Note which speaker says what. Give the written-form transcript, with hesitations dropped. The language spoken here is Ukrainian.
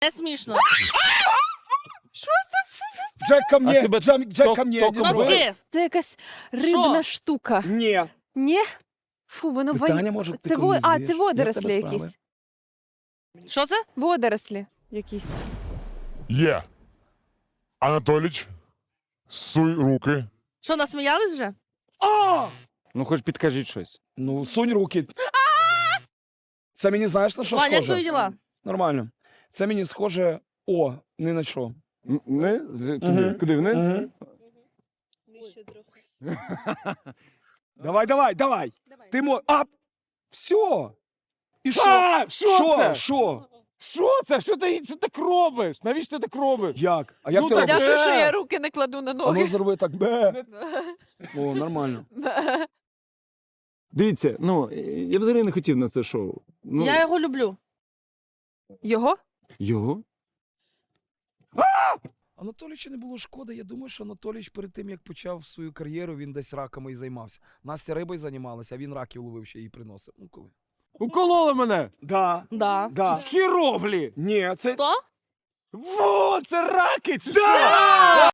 Speaker 1: Не смішно.
Speaker 2: Джек ко
Speaker 3: А
Speaker 2: мне,
Speaker 3: тебе
Speaker 2: Джек ко мне.
Speaker 3: током
Speaker 2: не знаю.
Speaker 1: Носки.
Speaker 4: Це якась рибна штука.
Speaker 2: Ні.
Speaker 4: Ні? Фу, воно
Speaker 2: Питання, може, ти
Speaker 4: Це
Speaker 2: комусь
Speaker 4: це
Speaker 2: здаєш?
Speaker 4: водорослі
Speaker 2: Як в тебе
Speaker 4: якісь.
Speaker 1: Що це?
Speaker 4: Водорослі якісь.
Speaker 5: Є. Анатоліч, суй руки.
Speaker 1: Що, насміялись вже?
Speaker 2: А!
Speaker 3: Ну, хоч підкажіть щось.
Speaker 2: Ну, сунь руки. Це мені знаєш на що
Speaker 1: Ваня, як твої
Speaker 2: схоже?
Speaker 1: діла?
Speaker 2: Нормально. Це мені схоже, не на що.
Speaker 3: Не? Туди.
Speaker 2: Мгм.
Speaker 3: Куди вниз?
Speaker 2: Мгм. Давай. Ти все. І що?
Speaker 3: А, що це?
Speaker 2: Що?
Speaker 3: Що це? Що ти так робиш? Навіщо ти так робиш?
Speaker 2: Як? А як
Speaker 3: Ну,
Speaker 2: ти
Speaker 3: так
Speaker 2: робиш?
Speaker 4: Дякую, що
Speaker 3: Е.
Speaker 4: я руки не кладу на
Speaker 2: А ну
Speaker 4: ноги.
Speaker 2: зроби так. Бе. О, нормально.
Speaker 3: Дивіться, ну, я взагалі не хотів на це шоу. Ну,
Speaker 1: Я його люблю.
Speaker 4: Його?
Speaker 3: Його?
Speaker 2: Анатолійчу не було шкоди. Я думаю, що Анатолійч перед тим, як почав свою кар'єру, він десь раками і займався. Настя рибою займалася, а він раків ловив ще і приносив. Ну коли?
Speaker 3: Укололи мене!
Speaker 2: Да.
Speaker 1: Да.
Speaker 2: Да.
Speaker 3: З хіровлі!
Speaker 2: Ні, це...
Speaker 1: Хто?
Speaker 3: Во, це раки чи що?